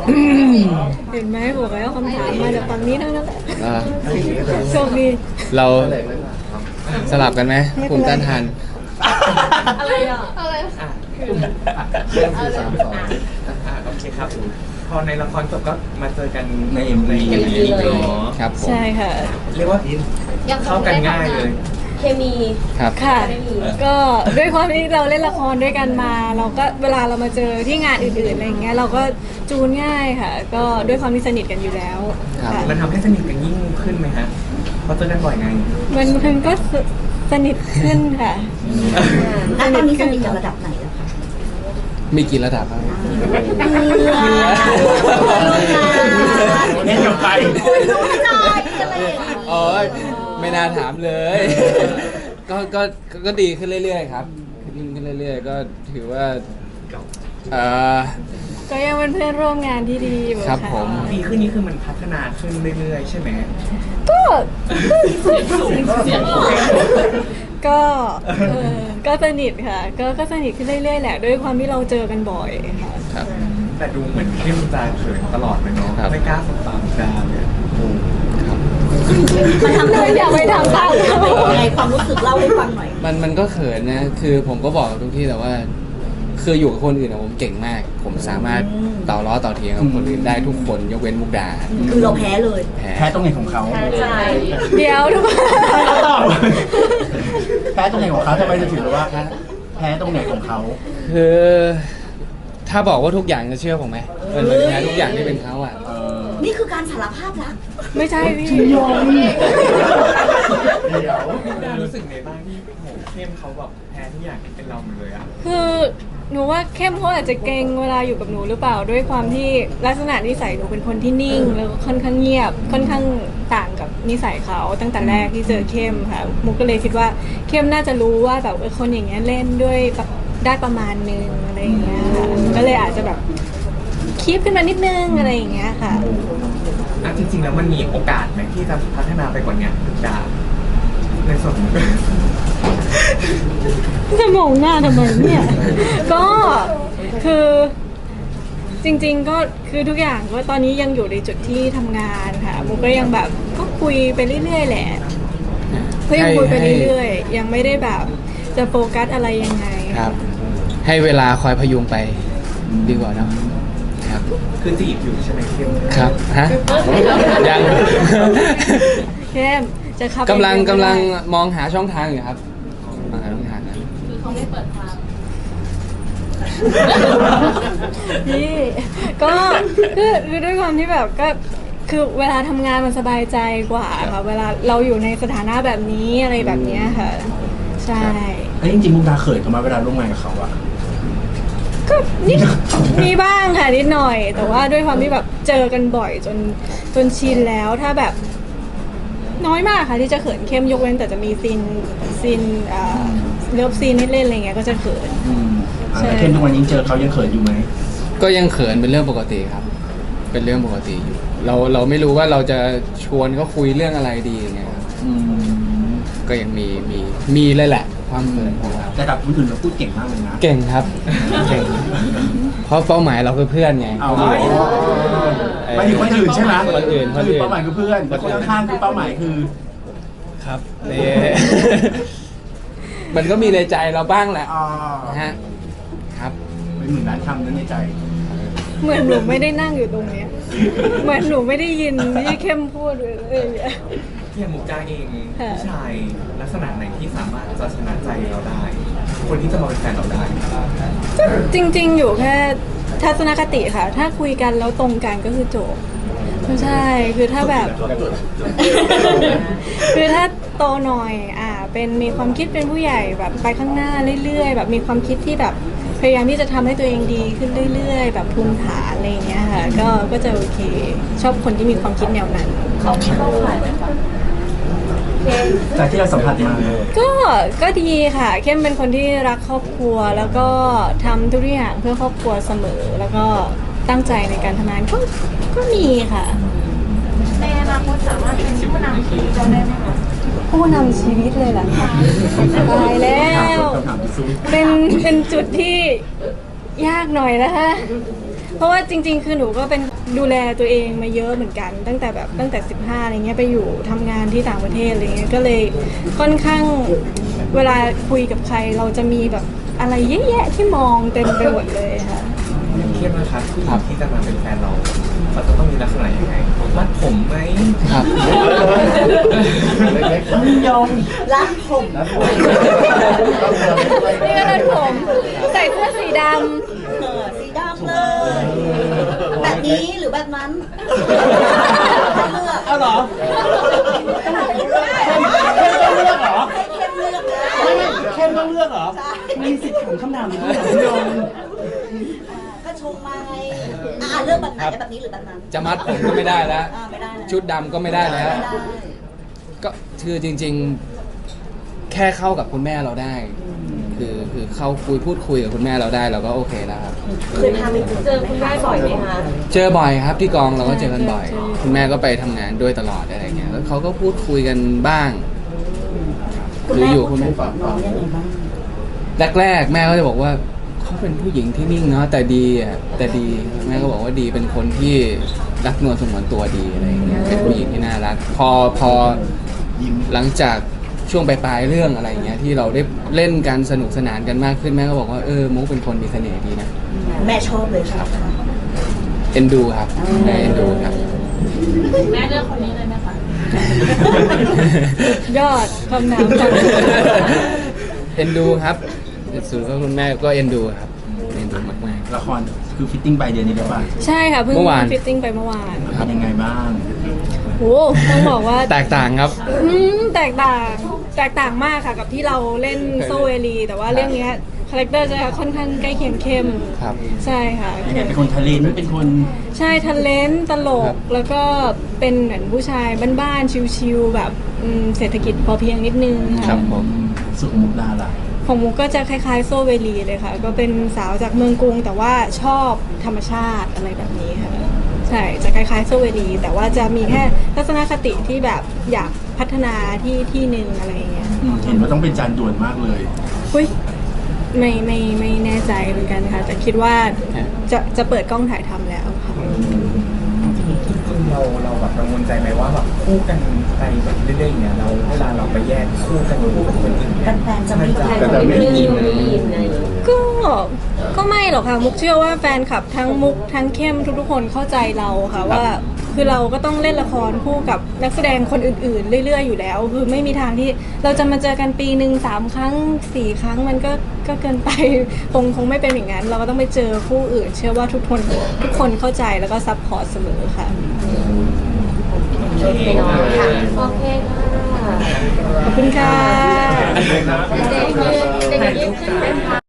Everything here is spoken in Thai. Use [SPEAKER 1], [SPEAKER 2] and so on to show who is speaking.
[SPEAKER 1] เห็นไหมบอกแล้วคำถามมาจากฝั่งนี้ทั้งนั้นแหละโชคดี
[SPEAKER 2] เราสลับกันไหมภูมิต้านทาน
[SPEAKER 1] อะไรอ่ะ
[SPEAKER 3] อะไร
[SPEAKER 4] เรื่องคือ3-2โอเคครับพอในละครจบก็มาเจอกันใน MV เนาะ
[SPEAKER 2] ครับผม
[SPEAKER 1] ใช่ค่ะ
[SPEAKER 4] เรียกว่าเข้ากันง่ายเลย
[SPEAKER 3] เคมี
[SPEAKER 2] ครับ
[SPEAKER 1] ค่ะ ก็ด้วยความที่เราเล่นละครด้วยกันมา เราก็เวลาเรามาเจอที่งานอื่นๆอะไรอย่างเงี้ยเราก็จูนง่ายค่ะ ก็ด้วยความที่สนิทกันอยู่แล้วค่ะ
[SPEAKER 4] มันทำให้สนิทกันยิ่งขึ้นไหมฮะเพราะเจอกันบ่อยไง
[SPEAKER 1] มันก็สนิทขึ้นค่ะ
[SPEAKER 5] แล้วตอนนี้สนิทกันระดับไหนแล้วคะ
[SPEAKER 2] มีกี่ระดับครับ
[SPEAKER 4] เล่นกับใคร
[SPEAKER 2] โอ้ยไม่น่าถามเลย ก็ดีขึ้นเรื่อยๆครับดีขึ้นเรื่อยๆก็ถือว่าเอ่อ
[SPEAKER 1] ก็ยังเป็นเพื่อนร่วมงานที่ดีอยู่
[SPEAKER 2] ครับ
[SPEAKER 1] ค่ะ
[SPEAKER 2] ผม
[SPEAKER 4] ดีขึ้นนี่คือมันพัฒนาขึ้นเรื่อยๆใช่ไหม
[SPEAKER 1] ก็ก็ก็สนิทค่ะ ก็สนิทขึ้นเรื่อยๆแหละด้วยความที่เราเจอกันบ่อยค่ะ
[SPEAKER 2] ครับ
[SPEAKER 4] แต่ดูเหมือนเข้มตาเขินตลอดเลยเนาะ
[SPEAKER 2] ครับ
[SPEAKER 4] ไม่กล้าสบตาดาเลย
[SPEAKER 2] ครับ
[SPEAKER 5] มันทำให้
[SPEAKER 1] อย่าไปทำตามเขา
[SPEAKER 5] ยังไงความรู้สึกเล่าให้ฟังหน่อย
[SPEAKER 2] มันก็เขินนะ คือผมก็บอกทุกที่แต่ว่า คืออยู่กับคนอื่นอะผมเก่งมาก ผมสามารถต่อล้อต่อเถียงกับคนอื่นได้ทุกคนยกเว้นมุกดา
[SPEAKER 5] คือเราแพ้เลย
[SPEAKER 2] แพ้
[SPEAKER 6] ตรงไหนของเขา
[SPEAKER 3] ใช่
[SPEAKER 1] เดี๋ยวทุกคน
[SPEAKER 6] ตอบแพ้ตรงไหนของเขาทำไมจะถือว่าแพ้ตรงไหนของเขา
[SPEAKER 2] คือ ถ้าบอกว่าทุกอย่างจะเชื่อผมไหมมันเหมือนแพ้ทุกอย่างที่เป็นเขาอ่ะ
[SPEAKER 5] นี่คือการสารภาพรัก
[SPEAKER 1] ไม่ใช่พี่
[SPEAKER 4] ดารู้สึกไงบ้างที่โหเข้มเขาแบบแพ้ทุกอย่างที่เป็นเราหมดเลยอะ
[SPEAKER 1] คือหนูว่าเข้มเขาอาจจะเกรงเวลาอยู่กับหนูหรือเปล่าด้วยความที่ลักษณะนิสัยหนูเป็นคนที่นิ่งแล้วก็ค่อนข้างเงียบค่อนข้างต่างกับนิสัยเขาตั้งแต่แรกที่เจอเข้มค่ะมุกก็เลยคิดว่าเข้มน่าจะรู้ว่าแบบคนอย่างเงี้ยเล่นด้วยแบบได้ประมาณนึงอะไรอย่างเงี้ยค่ะก็เลยอาจจะแบบคีบขึ้นมานิดนึงอะไรอย่างเงี้ยค่ะ
[SPEAKER 4] อ่ะจริงๆแล้วมันมีโอกาสไหมที่จะพัฒนาไปกว่าเนี้ยดาในส่วนของ
[SPEAKER 1] จะมองหน้าทำไมเนี่ย ก็คือจริงๆก็คือทุกอย่างก็ตอนนี้ยังอยู่ในจุดที่ทำงานค่ะมุกก็ยังแบบก็คุยไปเรื่อยๆแหละก็ยังคุยไปเรื่อยๆยังไม่ได้แบบจะโฟกัสอะไรยังไง
[SPEAKER 2] ครับ ให้เวลาคอยพยุงไปดีกว่าเนาะครับ
[SPEAKER 4] คือจีบอยู่ใช่ไหมเข้ม
[SPEAKER 2] ครับฮะยัง
[SPEAKER 1] เข้มจะขับ
[SPEAKER 2] กำลังมองหาช่องทางอยู่ครับมองหาช่องทางนะ
[SPEAKER 1] พี่ก็คือด้วยความที่แบบก็คือเวลาทำงานมันสบายใจกว่าค่ะเวลาเราอยู่ในสถานะแบบนี้อะไรแบบเนี้ยค่ะ ใช่
[SPEAKER 6] เฮ้ยจริงๆมุกดาเขินเขามาเวลาร่วมงานกับเขาอะ
[SPEAKER 1] ก็นิดมีบ้างค่ะนิดหน่อย แต่ว่าด้วยความที่แบบเจอกันบ่อยจนชินแล้วถ้าแบบน้อยมากค่ะที่จะเขินเข้มยกเว้นแต่จะมีซีนเลิฟซีนให้เล่นอะไรเงี้ยก็จะเขิน
[SPEAKER 6] แล้วเข้มทุกวันนี้เจอเขายังเขินอยู่ไหม
[SPEAKER 2] ก็ยังเขินเป็นเรื่องปกติครับ เป็นเรื่องปกติอยู่ เราไม่รู้ว่าเราจะชวนเขาคุยเรื่องอะไรดีไงครับก็ยังมีเลยแหละ ความเขินของเรา
[SPEAKER 6] แต่กับคนอื่นเราพูดเก่งมากเลยนะ
[SPEAKER 2] เก่งครับ เก่ง เพราะเป้าหมายเราคือเพื่อนไง
[SPEAKER 6] เอา
[SPEAKER 2] เป้าหมาย
[SPEAKER 6] ไปถึงคนอื่นใช่ไหม
[SPEAKER 2] คนอื่น
[SPEAKER 6] เป้าหมายคือเพื่อนแล้วคนข้างๆคือเป้าหมายคือ
[SPEAKER 2] ครับนี่ มันก็มีในใจเราบ้างแหละ
[SPEAKER 6] อ่า
[SPEAKER 2] นะฮะครับ
[SPEAKER 6] เป็นหมื่นล้านคำนั้นในใจ
[SPEAKER 1] เหมือนหนูไม่ได้นั่งอยู่ตรงเนี้ยเหมือนหนูไม่ได้ยินที่เข้มพูดเลย
[SPEAKER 4] อย่างมุกดาเอง
[SPEAKER 1] ค่ะ
[SPEAKER 4] ผู้ชายลักษณะไหนที่สามารถจะชนะใจเราได้ คนที่จะมาเป็นแฟนเราได้
[SPEAKER 1] จริงๆ อยู่แค่ทัศนคติค่ะ ถ้าคุยกันแล้วตรงกันก็คือจบไม่ใช่ คือถ้าแบบ คือถ้าโตหน่อยเป็นมีความคิดเป็นผู้ใหญ่แบบไปข้างหน้าเรื่อยๆ แบบมีความคิดที่แบบพยายามที่จะทำให้ตัวเองดีขึ้นเรื่อยๆ แบบภูมิฐานอะไรอย่างเงี้ยค่ะ ก็จะโอเค ชอบคนที่มีความคิดแนวนั้น
[SPEAKER 3] เขาไม่เข้าข่ายไหมคะ
[SPEAKER 6] จากที่เราสัมผัสมา
[SPEAKER 1] ก็ดีค่ะ เข้มเป็นคนที่รักครอบครัว แล้วก็ทำทุกอย่างเพื่อครอบครัวเสมอ แล้วก็ตั้งใจในการทำงานก็มีค่ะ
[SPEAKER 3] ในอนาคตสามารถเป็นผู้นำทีมเราได้ไหมคะ
[SPEAKER 1] ผู้นำชีวิตเลยเหรอคะตายแล้ว
[SPEAKER 6] คำถามที่สู้
[SPEAKER 1] เป็นจุดที่ยากหน่อยนะคะเพราะว่าจริง ๆ คือหนูก็เป็นดูแลตัวเองมาเยอะเหมือนกัน ตั้งแต่15อะไรเงี้ยไปอยู่ทำงานที่ต่างประเทศอะไรเงี้ยก็เลยค่อนข้างเวลาคุยกับใครเราจะมีแบบอะไรเยอะแยะที่มองเต็มไปหมดเลยค่ะ
[SPEAKER 4] เข้มนะครับผู้หญิงที่จะมาเป็นแฟนเราเขาจะต้องมีลักษณะยังไงมัดผมไหม
[SPEAKER 2] ครับ
[SPEAKER 6] เล็กๆยอม
[SPEAKER 5] รักผม
[SPEAKER 1] นี่ก็เป็นผมใส่เสื้อสีด
[SPEAKER 5] สีดำเลย แบบนี้หรือแบบนั้นเลือก
[SPEAKER 6] เอาเหรอให้เข้มเลือกเหรอ
[SPEAKER 5] ให้เข้มเลือก
[SPEAKER 6] ไม่เข้มต้องเลือกเหรอมีสิทธิ์ถามคำถามนี้เหรอคุณยง
[SPEAKER 5] ก็ชงมาไงเลือกแบบไหนแบบนี้หรือแบบนั้น
[SPEAKER 2] จะมัดผมก็ไม่ได้แล้ว
[SPEAKER 5] ไม่ได้นะ
[SPEAKER 2] ชุดดำก็ไม่ได้แล้ว
[SPEAKER 5] ไม่ได้
[SPEAKER 2] ก็คือจริงๆ แค่เข้ากับคุณแม่เราได้ คือเข้าพูดคุยกับคุณแม่เราได้เราก็โอเคแล้วครับ
[SPEAKER 5] เคยพาไปเจอคุณแม่บ่อยไหมคะ
[SPEAKER 2] เจอบ่อยครับที่กองเราก็เจอกันบ่อย คุณแม่ก็ไปทำงานด้วยตลอดอะไรเงี้ยแล้วเขาก็พูดคุยกันบ้างหรืออยู่คุณแม่
[SPEAKER 5] น้องยังไงบ้าง
[SPEAKER 2] แรกๆแม่ก็จะบอกว่าเขาเป็นผู้หญิงที่นิ่งเนาะแต่ดีอ่ะแต่ดีแม่ก็บอกว่าดีเป็นคนที่รักนวลสงวนตัวดีอะไรเงี้ยเป็นผู้หญิงที่น่ารักพอหลังจากช่วงปลายๆเรื่องอะไรเงี้ยที่เราได้เล่นกันสนุกสนานกันมากขึ้นแม่ก็บอกว่ามุกเป็นคนมีเสน่ห์ดีนะ
[SPEAKER 5] แม่ชอบเลยครับ
[SPEAKER 2] เอ็นดูครับแม่เอ็นดูครับ
[SPEAKER 3] แม่เลือกคนนี้เลยไหมคะ
[SPEAKER 1] ำยอดคำถามจาก
[SPEAKER 2] เอ็นดูครับสุดก็คุณแม่ก็เอ็นดูครับเอ็นดูมาก
[SPEAKER 6] ละครคือฟิตติ้งไปเดือนนี้ได้ป่ะ
[SPEAKER 1] ใช่ค่ะเพิ่ง
[SPEAKER 2] เมื่อวาน
[SPEAKER 1] ฟิตติ้งไปเมื่อวาน
[SPEAKER 6] เป็นยังไงบ้าง
[SPEAKER 1] โอ้ต้องบอกว่า
[SPEAKER 2] ๆแตกต่างครับ
[SPEAKER 1] แตกต่างมากค่ะกับที่เราเล่นโซเวลีแต่ว่าเรื่องเนี้ยคาแรคเตอร์จะค่อนข้างใกล้เคียงเข้ม
[SPEAKER 2] ครับ
[SPEAKER 1] ใช่ค่ะ
[SPEAKER 6] ยังไงเป็นคนทะเลนเป็นคน
[SPEAKER 1] ใช่ทะเลนตล
[SPEAKER 2] ครั
[SPEAKER 1] ก
[SPEAKER 2] บ
[SPEAKER 1] แล้วก็เป็นเหมือนผู้ชายบ้านๆชิวๆแบบเศรษฐกิจพอเพียงนิดนึง
[SPEAKER 2] ครั
[SPEAKER 1] ค่ะ
[SPEAKER 2] บผม
[SPEAKER 6] สุขมุกดาล่ะ
[SPEAKER 1] ของมุกก็จะคล้ายๆโซเวลีเลยค่ะ ก็เป็นสาวจากเมืองกรุง แต่ว่าชอบธรรมชาติอะไรแบบนี้ค่ะใช่จะคล้ายๆโซเวลีแต่ว่าจะมีแค่ทัศนคติที่แบบอยากพัฒนาที่หนึ่งอะไรอย่างเงี้ย
[SPEAKER 6] เห็นว่าต้องเป็นจานด่วนมากเลย
[SPEAKER 1] อุ้ยไม่แน่ใจเหมือนกันค่ะ แต่คิดว่าจะเปิดกล้องถ่ายทำแล้วค่ะ
[SPEAKER 4] เราแบบกังวลใจไหมว่าแบบคู่กันไปแบบเรื่อยๆอย่างเงี้ยเราเวลาเราไปแยกคู่กันคู่กับคนอื่นเนี่ย
[SPEAKER 5] แฟนๆจะไม่
[SPEAKER 4] อิน
[SPEAKER 1] ก็ไม่หรอกค่ะ มุกเชื่อว่าแฟนคลับทั้งมุกทั้งเข้มทุกๆคนเข้าใจเราค่ะว่า คือเราก็ต้องเล่นละครคู่กับนักแสดงคนอื่นๆ เรื่อยๆอยู่แล้ว คือไม่มีทางที่เราจะมาเจอกันปีหนึ่ง3 ครั้ง 4 ครั้งมันก็เกินไป คงไม่เป็นอย่างนั้น เราก็ต้องไปเจอคู่อื่น เชื่อว่าทุกคนเข้าใจแล้วก็ซัพพอร์ตเสมอค่ะ
[SPEAKER 3] โอเคเนาะค่ะโอเคค่ะ
[SPEAKER 1] ขอบคุณค่ะ
[SPEAKER 3] เด็กๆเด็กๆขึ้นไหมคะ